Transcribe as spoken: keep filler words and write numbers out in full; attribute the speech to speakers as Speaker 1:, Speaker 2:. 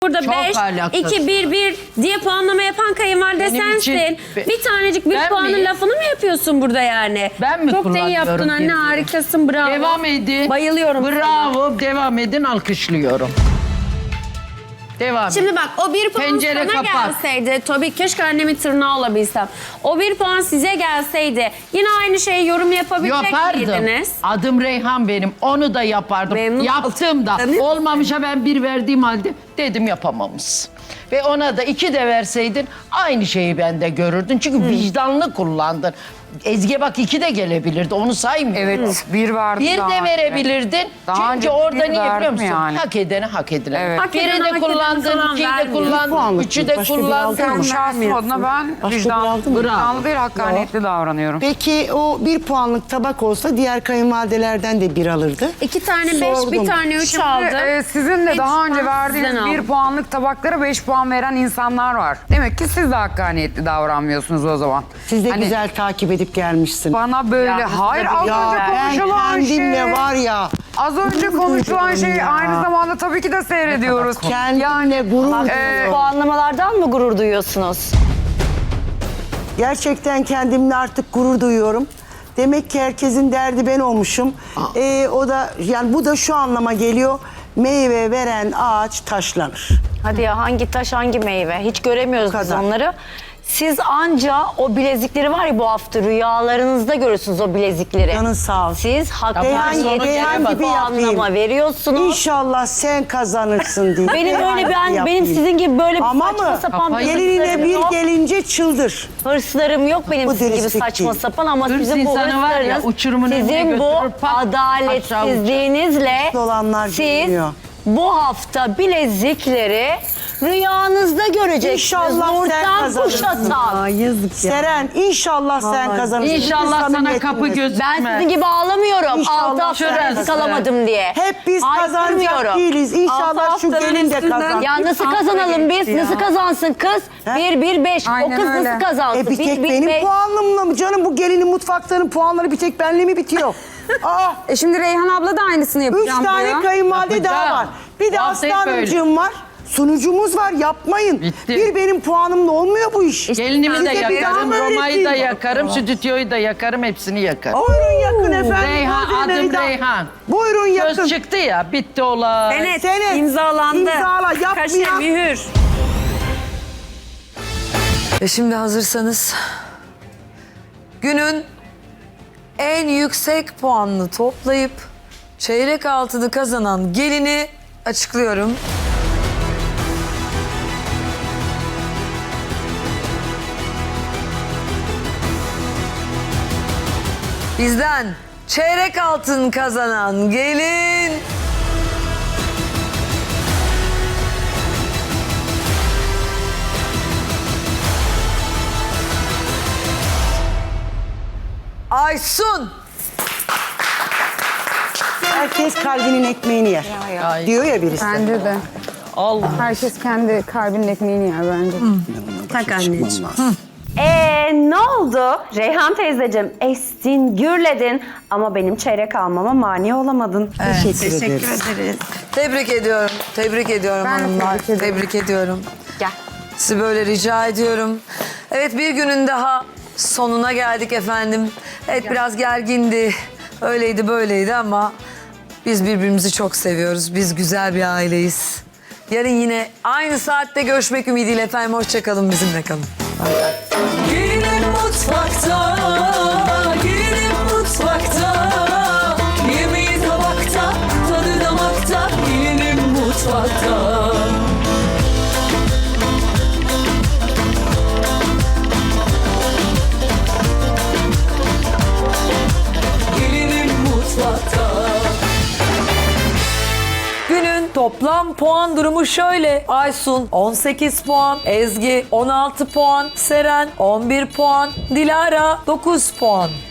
Speaker 1: Burada
Speaker 2: Çok
Speaker 1: beş,
Speaker 2: alakasız.
Speaker 1: iki, bir, bir diye puanlama yapan kayınvalide
Speaker 2: Benim
Speaker 1: sensin.
Speaker 2: için-
Speaker 1: Bir tanecik bir
Speaker 2: Ben
Speaker 1: puanın
Speaker 2: miyim?
Speaker 1: lafını mı yapıyorsun burada yani?
Speaker 2: Ben mi
Speaker 1: Çok da iyi
Speaker 2: kullanıyorum
Speaker 1: yaptın anne,
Speaker 2: birbirini?
Speaker 1: harikasın, bravo.
Speaker 2: Devam edin.
Speaker 1: Bayılıyorum.
Speaker 2: Bravo. Devam edin. Alkışlıyorum. Devam edin.
Speaker 1: Şimdi bak, o bir puan
Speaker 2: Pencere
Speaker 1: sana
Speaker 2: kapat.
Speaker 1: gelseydi, tabii keşke annemin tırnağı olabilsem. O bir puan size gelseydi yine aynı şeyi yorum yapabilecek
Speaker 2: Yapardım.
Speaker 1: miydiniz?
Speaker 2: Adım Reyhan benim. Onu da yapardım.
Speaker 1: Memnun
Speaker 2: Yaptım da.
Speaker 1: oldum.
Speaker 2: Olmamışa ben bir verdiğim halde dedim yapamamış. Ve ona da iki de verseydin aynı şeyi ben de görürdün. Çünkü vicdanlı kullandın. Ezgi'ye bak iki de gelebilirdi. Onu saymıyorum.
Speaker 3: Evet, bir vardı
Speaker 2: Bir
Speaker 3: daha
Speaker 2: de
Speaker 3: önce.
Speaker 2: verebilirdin.
Speaker 3: Daha
Speaker 2: Çünkü
Speaker 3: önce
Speaker 2: orada
Speaker 3: bir
Speaker 2: niye biliyor
Speaker 3: verdim
Speaker 2: musun?
Speaker 3: yani.
Speaker 2: Hak edene hak edene.
Speaker 3: Evet.
Speaker 1: Hak
Speaker 2: Biri
Speaker 1: edene, hak
Speaker 2: de
Speaker 1: edene
Speaker 2: kullandın,
Speaker 1: falan
Speaker 2: ikiyi de
Speaker 1: vermiyor.
Speaker 2: kullandın,
Speaker 4: puanlık
Speaker 2: üçü
Speaker 4: bir,
Speaker 2: de
Speaker 4: başka bir
Speaker 2: kullandın.
Speaker 4: aldın mı?
Speaker 3: Kendi şahsım adına ben
Speaker 4: Başka bir
Speaker 3: vicdan,
Speaker 4: aldın mı?
Speaker 3: vicdanlı değil, hakkaniyetli davranıyorum.
Speaker 4: Peki o bir puanlık tabak olsa diğer kayınvalidelerden de bir alırdı.
Speaker 1: İki tane beş,
Speaker 4: Sordum.
Speaker 1: bir tane üç
Speaker 3: Şimdi
Speaker 1: aldım.
Speaker 3: e, sizin de
Speaker 1: Beş
Speaker 3: daha önce
Speaker 1: puan
Speaker 3: verdiğiniz
Speaker 1: sizden
Speaker 3: bir
Speaker 1: aldım.
Speaker 3: puanlık tabaklara beş puan veren insanlar var. Demek ki siz de hakkaniyetli davranmıyorsunuz o zaman.
Speaker 4: Siz de
Speaker 3: Hani
Speaker 4: güzel takip edip gelmişsin.
Speaker 3: Bana böyle,
Speaker 1: Ya,
Speaker 3: hayır az
Speaker 4: Ya
Speaker 3: önce
Speaker 4: ben
Speaker 3: konuşulan
Speaker 4: kendimle
Speaker 3: şey.
Speaker 4: var ya.
Speaker 3: Az önce
Speaker 4: gurur
Speaker 3: konuşulan
Speaker 4: duyuyorum
Speaker 3: şeyi
Speaker 4: ya.
Speaker 3: aynı zamanda tabii ki de seyrediyoruz.
Speaker 4: Kendimle gurur
Speaker 3: e,
Speaker 4: duyuyorum.
Speaker 5: Puanlamalardan mı gurur duyuyorsunuz?
Speaker 4: Gerçekten kendimle artık gurur duyuyorum. Demek ki herkesin derdi ben olmuşum. Ee, o da yani bu da şu anlama geliyor. Meyve veren ağaç taşlanır.
Speaker 5: Hadi ya, hangi taş hangi meyve? Hiç göremiyoruz
Speaker 4: Bu
Speaker 5: biz
Speaker 4: kadar.
Speaker 5: onları. Siz anca o bilezikleri var ya, bu hafta rüyalarınızda görürsünüz o bilezikleri.
Speaker 4: Canın sağ olsun.
Speaker 5: Siz
Speaker 4: Reyhan,
Speaker 5: hakkaniyetli
Speaker 4: Reyhan gibi
Speaker 5: puanlama
Speaker 4: yapayım.
Speaker 5: veriyorsunuz.
Speaker 4: İnşallah sen kazanırsın diye.
Speaker 5: Benim
Speaker 4: Reyhan
Speaker 5: öyle
Speaker 4: gibi
Speaker 5: ben
Speaker 4: yapayım.
Speaker 5: benim sizin gibi böyle bir
Speaker 4: Ama
Speaker 5: saçma
Speaker 4: mı?
Speaker 5: sapan
Speaker 2: Kafayı-
Speaker 4: Gelinine
Speaker 5: hırslarım
Speaker 4: bir
Speaker 5: yok.
Speaker 4: gelince çıldır.
Speaker 5: Hırslarım yok benim
Speaker 4: Bu
Speaker 5: sizin gibi
Speaker 4: dürüstlük
Speaker 5: saçma
Speaker 4: değil.
Speaker 5: sapan, ama
Speaker 2: Hırs
Speaker 5: sizin bu
Speaker 2: insanı var ya,
Speaker 5: hırslarınız,
Speaker 2: uçurumun önüne
Speaker 5: sizin bu
Speaker 2: götürür, pat,
Speaker 5: adaletsizliğinizle
Speaker 4: Dolanlar
Speaker 5: siz
Speaker 4: görünüyor.
Speaker 5: bu hafta bilezikleri rüyanızda göreceksiniz.
Speaker 4: İnşallah sen
Speaker 5: Nurten
Speaker 4: kazanırsın.
Speaker 5: kuşatan.
Speaker 4: Seren inşallah sen kazanırsın.
Speaker 2: İnşallah
Speaker 4: Biz
Speaker 2: sana kapı
Speaker 4: samimiyetimiz.
Speaker 2: göstermez.
Speaker 5: Ben sizin gibi ağlamıyorum.
Speaker 4: İnşallah
Speaker 5: Altı hafta
Speaker 2: şurası.
Speaker 5: bilezik alamadım diye.
Speaker 4: Hep biz kazanacak
Speaker 5: Haykırmıyorum.
Speaker 4: değiliz. İnşallah şu gelin de kazan.
Speaker 5: Ya nasıl kazanalım biz? Nasıl kazansın kız?
Speaker 4: He?
Speaker 5: Bir, bir, beş. O
Speaker 3: Aynen
Speaker 5: kız
Speaker 3: öyle.
Speaker 5: nasıl kazansın?
Speaker 4: E bir tek
Speaker 5: bir, bir,
Speaker 4: benim
Speaker 5: beş.
Speaker 4: puanımla mı canım? Bu gelinin mutfakların puanları bir tek benle mi bitiyor? Aa,
Speaker 6: E şimdi Reyhan abla da aynısını
Speaker 4: üç
Speaker 6: yapacağım
Speaker 4: tane
Speaker 6: buraya.
Speaker 4: kayınvalide daha
Speaker 2: Yapacağım.
Speaker 4: var. Bir de
Speaker 2: Bu hafta
Speaker 4: Aslı
Speaker 2: hep
Speaker 4: Hanımcığım var. Sunucumuz var, yapmayın.
Speaker 2: Bitti.
Speaker 4: Bir benim puanımla olmuyor bu iş.
Speaker 2: Gelinimi de
Speaker 4: Size bir
Speaker 2: yakarım,
Speaker 4: daha
Speaker 2: Roma'yı da
Speaker 4: öğreteyim.
Speaker 2: yakarım, stüdyoyu da yakarım, hepsini yakarım.
Speaker 4: Buyurun yakın efendim.
Speaker 2: Reyhan,
Speaker 4: Buyurun
Speaker 2: adım
Speaker 4: Reyhan.
Speaker 2: Reyhan.
Speaker 4: Buyurun yakın.
Speaker 2: Söz çıktı ya, bitti olay.
Speaker 1: Senet,
Speaker 4: Senet,
Speaker 1: imzalandı.
Speaker 4: imzala, yapmayan-
Speaker 1: Kaşe, mühür.
Speaker 7: E şimdi hazırsanız günün en yüksek puanını toplayıp çeyrek altını kazanan gelini açıklıyorum. Bizden çeyrek altın kazanan gelin Aysun.
Speaker 4: Herkes kalbinin ekmeğini yer.
Speaker 2: Ay,
Speaker 4: Diyor ya birisi.
Speaker 6: Bence de.
Speaker 2: Allah.
Speaker 6: Herkes kendi kalbinin ekmeğini yer bence.
Speaker 1: Tak anneciğim.
Speaker 8: Ee, ne oldu? Reyhan teyzeciğim estin, gürledin ama benim çeyrek almama mani olamadın.
Speaker 4: Teşekkür, ederiz.
Speaker 7: Tebrik ediyorum. Tebrik ediyorum
Speaker 6: Ben de
Speaker 7: hanımlar.
Speaker 6: tebrik ederim.
Speaker 7: Tebrik ediyorum.
Speaker 8: Gel.
Speaker 7: Sizi böyle rica ediyorum. Evet, bir günün daha sonuna geldik efendim. Evet, biraz gergindi. Öyleydi böyleydi ama biz birbirimizi çok seviyoruz. Biz güzel bir aileyiz. Yarın yine aynı saatte görüşmek ümidiyle efendim. Hoşçakalın, bizimle kalın.
Speaker 9: Gelinim mutfakta, gelinim mutfakta. Yemeği tabakta, tadı damakta, gelinim mutfakta. Gelinim mutfakta.
Speaker 7: Günün toplam puan durumu şöyle. Aysun on sekiz puan, Ezgi on altı puan, Seren on bir puan, Dilara dokuz puan.